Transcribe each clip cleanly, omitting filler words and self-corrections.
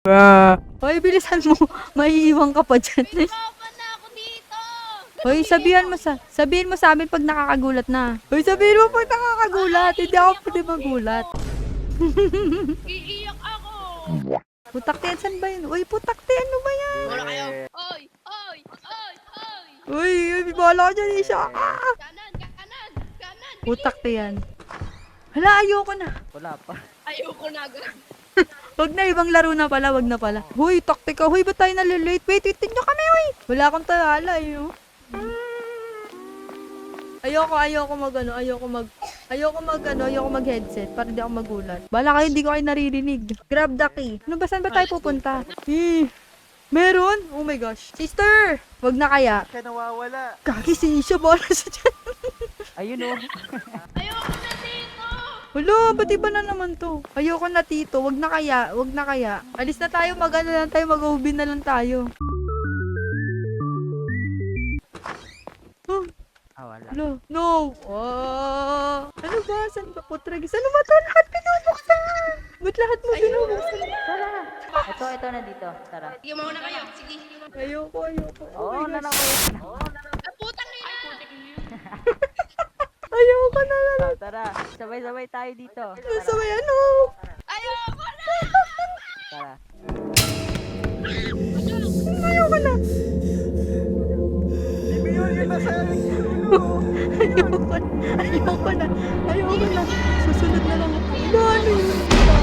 Hoy, bilisan mo. Maiiwan ka pa dyan. Pinakapan na ako dito! Hoy, sabihin mo sa amin pag nakakagulat na. Hoy, sabihin mo pag nakakagulat. Hindi ako pwede magulat. Iiyak ako! Putaktian, saan ba yun? Uy, putaktian, ano ba yan? Wala kayo! Oy! Oy! Oy! Oy! Uy, bala ka dyan, Isha. Kanan! Kanan! Kanan! Putaktian. Hala, ayoko na. Wala pa. Ayoko na agad. Wag na, ibang laro na pala, wag na pala. Huy, taktika. Huy, ba't tayo nalilate? Wait nyo kami, huy. Wala akong talala, eh. Oh. Ayoko mag headset para di ako magulat. Bala kayo, hindi ko kayo naririnig. Grab the key. Ano ba, saan ba tayo pupunta? Meron? Oh my gosh. Sister! Wag na kaya. Siya nawawala. Kaki si Isha, bala sa dyan. Ayun o. Ayoko na dito! Wala, ba't iba na naman to? Ayoko na tito, wag na kaya. Alis na tayo, mag-OB na lang tayo. Wala. No. Ano ba? Saan ba po, Tragis? Ano ba to? Lahat pinubuksan! Ba't lahat mo binubuksan? Tara. Ito na dito. Tara. Sige, mauna kayo. Sige. Ayoko. Oo, my gosh. Ah, putang na yan! Ayoko na. Tara. Sabay-sabay tayo dito. Nasa may ano? Ayoko na! Tara. Ayoko na. Ayoko na. Susunod na lang ako. Ano yun?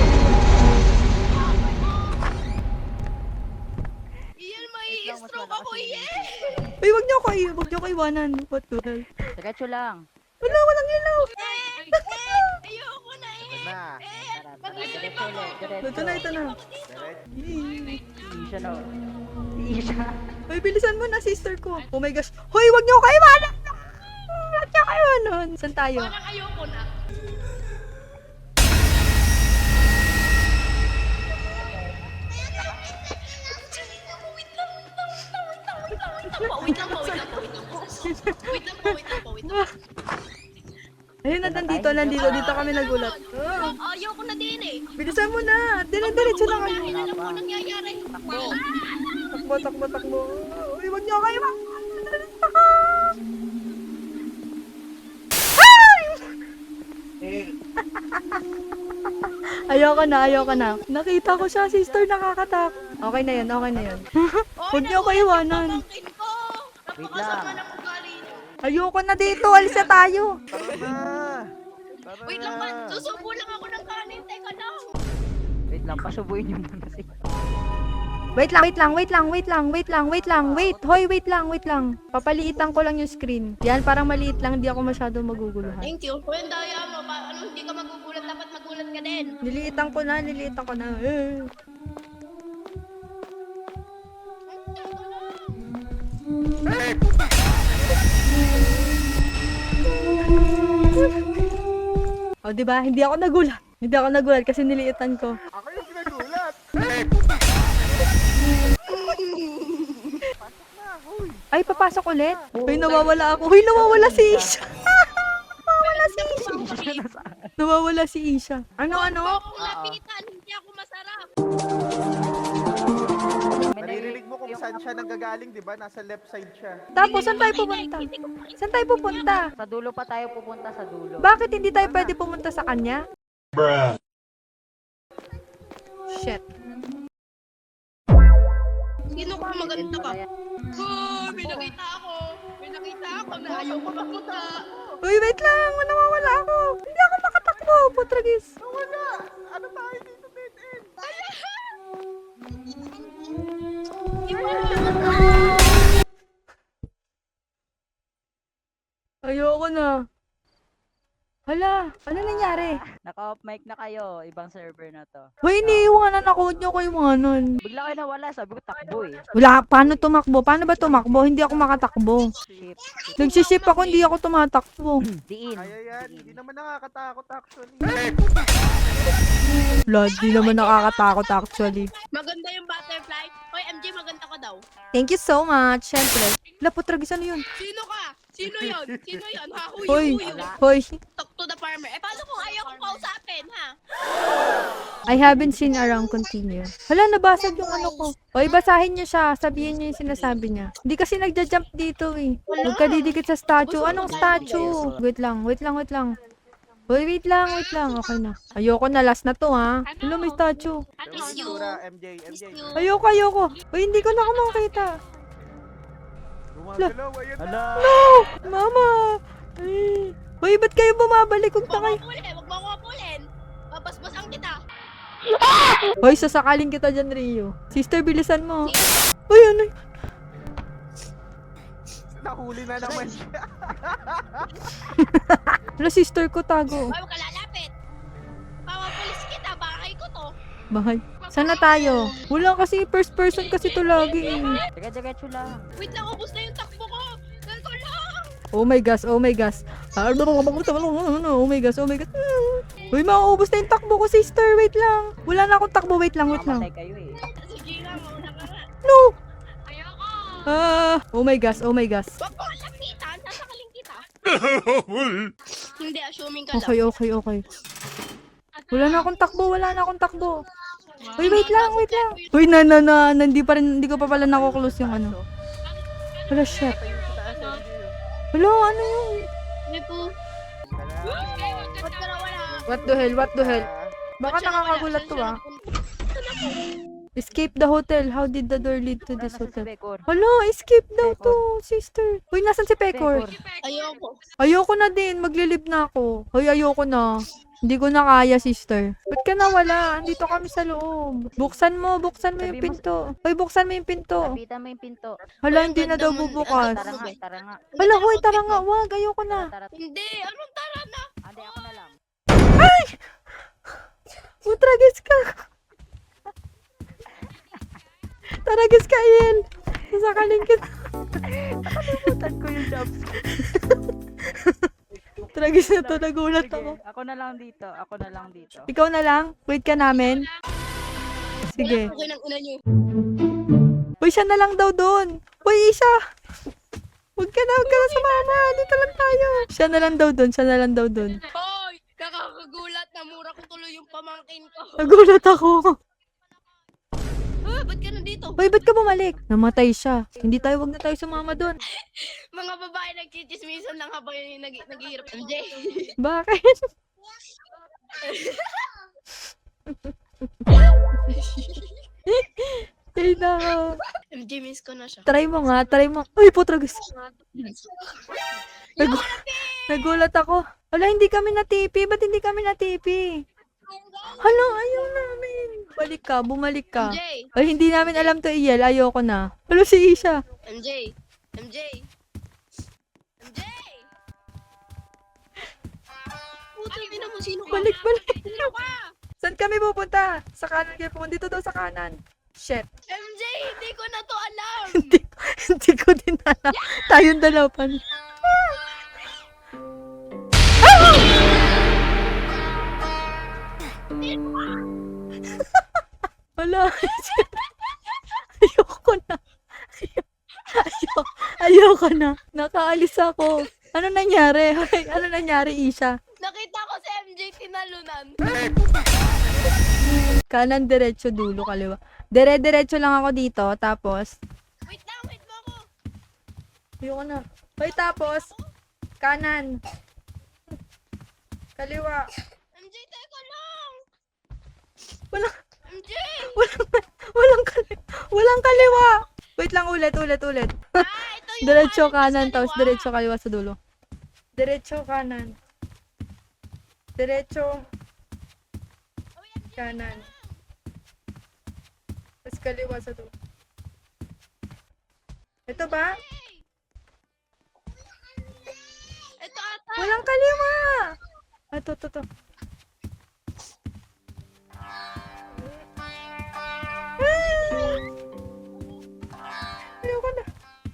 Iyan, mai-stroke ako, iyan! Ay, wag niyo ko iwanan. What the hell? Diretso lang. Walang ilaw. Ayoko na, eh! Na. Tara. Mag-iisip Diretso ako. ulit. Diretso. Ito na. Isha na. Isha. Ay, bilisan mo na, sister ko. Oh my gosh. Hoy, wag niyo ko iwanan. Wag niyo ko iwanan. Saan tayo? Parang ayoko na. Wait lang po. Ayun na, dito kami nagulat. Ayoko na din eh. Bilisan mo na. Diretso na kayo. Alam ko nangyayari. Takbo. Uy, wag niyo kayo. Ayoko na. Nakita ko siya, sister, nakakatak. Okay na yun. Huwag niyo ko iwanan. Wait Napakasama lang. ng ugali niyo. Ayoko na dito, alis na tayo. Wait lang man, susubo lang ako ng kanin. Teka lang. Wait lang. Pasubuin niyo muna si... Wait lang. Hoy, wait lang. Papaliitan ko lang yung screen. Yan, parang maliit lang, di ako masyado maguguluhan. Thank you. Kung daya mo, hindi ka magugulat, dapat magulat ka din. Niliitan ko na. Oh, di ba? Hindi ako nagulat kasi niliitan ko. Ako yung nagulat. Ay, papasok ulit. Hoy, nawawala ako. Hoy, nawawala si Isha. Nawawala si Isha. Ano? Kung lapitan, hindi ako masarap. Naririnig mo kung saan siya nanggagaling, di ba? Nasa left side siya. Tapos, saan tayo pupunta? Sa dulo pa tayo pupunta sa dulo. Bakit hindi tayo pwede pumunta sa kanya? Shit. Sino ka? Maganda ka. May nakita ako na ayaw ko mapunta. Uy, wait lang. Nawawala ako. Hindi ako makatakbo. Putragis. Wala! Ano tayo dito, dead end? Ayoko na. Hala, ano nangyari? Naka-off mic na kayo. Ibang server na to. Hoy, iniiwanan ako. Huwag niyo ko iwanan. Bigla kayo nawala. Sabi ko takbo eh. Wala, paano tumakbo? Paano ba tumakbo? Hindi ako makatakbo. Ship. Nagsisip ako, hindi ako tumatakbo. Diin. Kaya yan, hindi naman nakakatakot actually. Wala, di naman nakakatakot actually. Maganda yung butterfly. Hoy, MJ, maganda ka daw. Thank you so much. Siyempre. Wala, putragis, ano yun? Sino ka? Sino yon? Ha? Hoy, Huyo. hoy. Talk to the farmer. Paano kung ayaw kong kausapin, ha? I haven't seen around continue. Hala, nabasag yung ano ko. Oy, basahin niyo siya. Sabihin niyo yung sinasabi niya. Hindi kasi nagja-jump dito eh. Huwag ka didikit sa statue. Anong statue? Wait lang. Uy, wait lang. Okay na. Ayoko na. Last na to, ha? Hala, may statue. Miss you. Tura, MJ. Miss you. Ayoko. Uy, hindi ko na ako makita. Gumagalaw, ayun na. Hala! Mama! Ay. Uy, ba't kayo bumabalik? Huwag na kayo. Huwag mo ako kapulin. Babasbasan kita. Hoy, sasakalin kita dyan, Rio. Sister, bilisan mo. Uy, ano? Nahuli na naman siya. Wala, sister ko, tago. Huwag ka lalapit. Papapulis kita. Bakay ko to. Bahay. Saan na tayo? Wala kasi, first person kasi to lagi eh. Diretso lang. Wait lang, ubos na yung takbo ko. Ganito lang. Oh my gosh. Oh my gosh. Uy, mauubos na yung takbo ko, sister. Wait lang. Wala na akong takbo. Wait lang. Mamatay kayo eh. Sige nga, mauna ka nga. No! Ayoko. Oh my gosh. Huwag mo lapitan. Sasakaling kita. Hindi, assuming ka lang. Okay. Wala na akong takbo. Uy, wait lang. Uy, hindi ko pa pala nako-close yung ano. Wala, shit. Tayo sa taas, MJ. Wala, ano yun? Hindi po. Ba't ka nawala? What the hell? Baka Ba't siya nawala? nakakagulat to, Saan ah. siya napunta? Escape the hotel. How did the door lead to this Nasa si hotel? Bekor. Hala, escape daw to, sister. Uy, nasan si Pecor? Ayoko. Ayoko na din. Maglilib na ako. Hoy, ayoko na. Hindi ko na kaya, sister. Ba't ka nawala? Andito kami sa loob. Buksan mo yung Sabi mo- pinto. Hoy, buksan mo yung pinto. Lapitan mo yung pinto. Hala, hindi na daw Ganda mo. bubukas. Tara nga. Hala, hoy, tara nga. Wag, ayoko na. Tara. Hindi, anong tara na? Ande, ako na lang. Utragis ka. Taragis ka, Iel. Sasakaling kita. Nakalimutan ko yung jumps. Tragis na to. Nagulat Sige, ako. ako na lang dito. Ikaw na lang? Wait ka namin? Sige. Okay ng ina niyo. Uy, siya na lang daw doon. Uy, Isha! Huwag ka na sumama. Dito lang tayo. Siya na lang daw doon. Hoy! Nakakagulat na mura ko tuloy yung pamangkin ko. Nagulat ako. Ba't ka nandito? Uy, ba't ka bumalik? Namatay siya. Wag na tayo sumama doon. Mga babae nagchichismisan lang habang yung naghihirap. MJ. Bakit? Ay, nako. MJ, miss ko na siya. Try mo. Uy, putragis. Nagulat ako. Wala, hindi kami natipi. Ba't hindi kami natipi? Hala, ayaw namin. Bumalik ka. MJ. Ay, hindi namin alam to, Iel. Ayoko na. Hala, si Isha. MJ. Puta, ina mo, sino ka? Balik. Sino ka? Saan kami pupunta? Sa kanan kayo pupunta. Dito daw sa kanan. Shit. MJ, hindi ko na to alam. Hindi ko din alam. Tayong dalawa pa. Wala. Ayoko na. Ayoko na. Nakaalis ako. Ano nangyari? Ano nangyari, Isha? Nakita ko si MJ tinalunan. Kanan, diretso, dulo, kaliwa. Diretso lang ako dito. Tapos, Wait mo ako. ayoko na. Hoy, tapos, kanan. Kaliwa. MJ, teka lang. Walang, MJ! walang kaliwa. Wait lang, ulit. Ito yung Diretso kanan, kanan, tapos kaliwa. diretso kaliwa sa dulo. Diretso kanan. Diretso kanan. Tapos kaliwa sa dulo. Ito ba? Ito ata. Walang kaliwa! Ito. Ayoko na.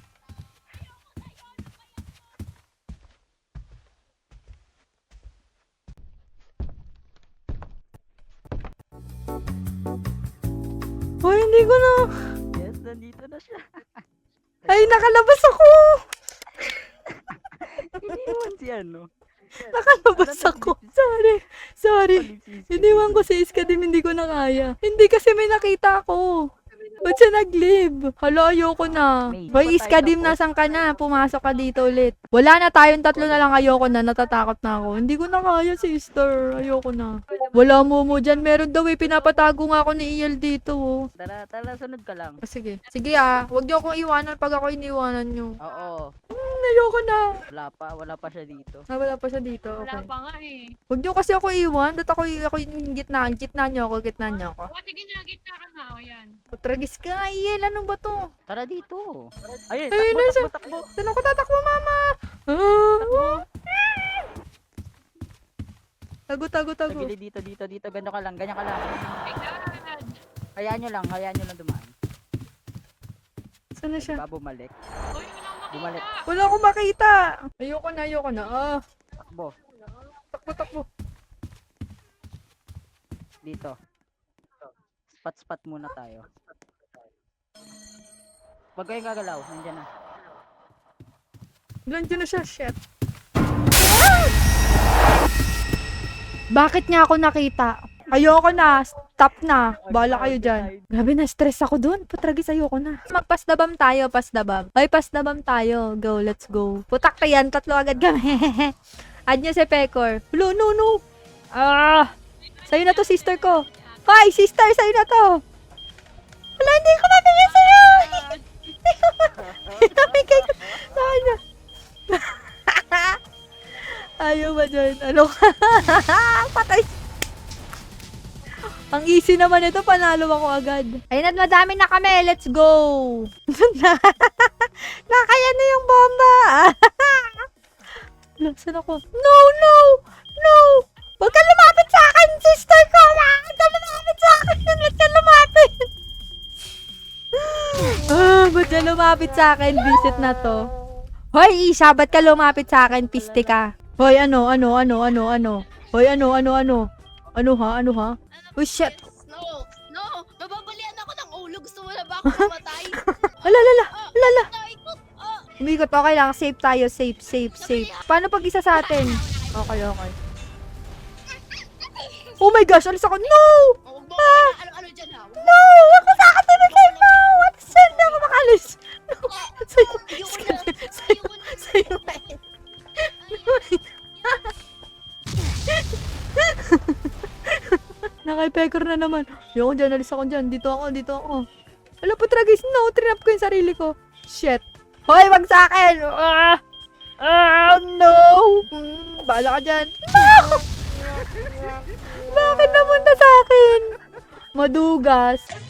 Hoy, hindi ko na. Yes, nandito na siya. Ay, nakalabas ako! Iniwan si ano. Nakalabas ako. Sorry. Iniwan ko si Iskadim, hindi ko na kaya. Hindi kasi may nakita ako. Ba't siya nag-leave? Hala, ayoko na. Hoy, Iskadim, nasan ka na? Pumasok ka dito ulit. Wala na, tayong tatlo na lang. Ayoko na, natatakot na ako. Hindi ko na kaya, sister. Ayoko na. Wala mo dyan. Meron daw eh, pinapatago nga ako ni Iel dito. Oh. Tara, sunod ka lang. Sige. Sige ah, huwag niyo akong iwanan pag ako iniwanan niyo. Oo. Ayoko na. Wala pa siya dito. Wala pa siya dito. Wala Okay. pa nga eh. Huwag niyo kasi ako iwan. Dahil ako yung gitna niyo ako. O, sige na, gitna ka na. O, yan. Putragis ka, Iel. Anong ba to? Tara dito. Ayun, Ayun, nasa- takbo. Saan ako tatakbo, mama? Ah. Tago. Sa gilid dito. Ganyan ka lang. My God. Hayaan nyo lang dumaan. Saan na siya? Diba bumalik? Uy, wala makita. Bumalik. Wala akong makita. Ayoko na. Ah, Takbo. takbo. Dito. Spot muna tayo. Huwag kayong gagalaw. Nandiyan na. Nandiyan na siya. Shit. Bakit niya ako nakita? Ayoko na. Stop na. Bala kayo dyan. Grabe na, stress ako dun. Putragis, ayoko na. Magpasdabam tayo, pasdabam. Ay, pasdabam tayo. Go, let's go. Putak ka yan. Tatlo agad kami. Add niyo si Pecor. No. Ah! Sa'yo na to, sister ko. Hoy, sister, sa'yo na to. Wala, hindi ko mabigay sa'yo. Nabigay ko. Ano? Ayaw ba dyan? Ano ka? Patay. Ang easy naman ito, panalo ako agad. Ayun at madami na kami, let's go! Nakaya na yung bomba! Saan ako? No! Huwag ka lumapit sa akin, sister ko! Huwag ka lumapit sa akin! Ba't ka lumapit? Ba't ka lumapit sa akin? Visit na to. Hoy, Isha, ba't ka lumapit sa akin? Piste ka. Hoy, ano? Hoy, ano? Ano ha? Oh, shit. No. Nababalian ako ng ulo. Gusto mo na ba ako mamatay? Lala. Naikot. Umikot, okay lang. Safe tayo. Safe. Paano pag isa sa atin? Okay. Oh my gosh, alis ako. No! Huwag mo ako ano dyan ha. No! Huwag mo sa akin tumigay. No! What is that? Hindi ako makalis. No! Sa'yo. Ayoko na. Sa'yo. Nakay-pecker na naman. Ayoko dyan, alis ako dyan. Dito ako. Alam po, tragis. No, trinap ko yung sarili ko. Shit. Hoy, wag sa akin! No! Bahala ka dyan. No! Bakit namunta sa akin? Madugas.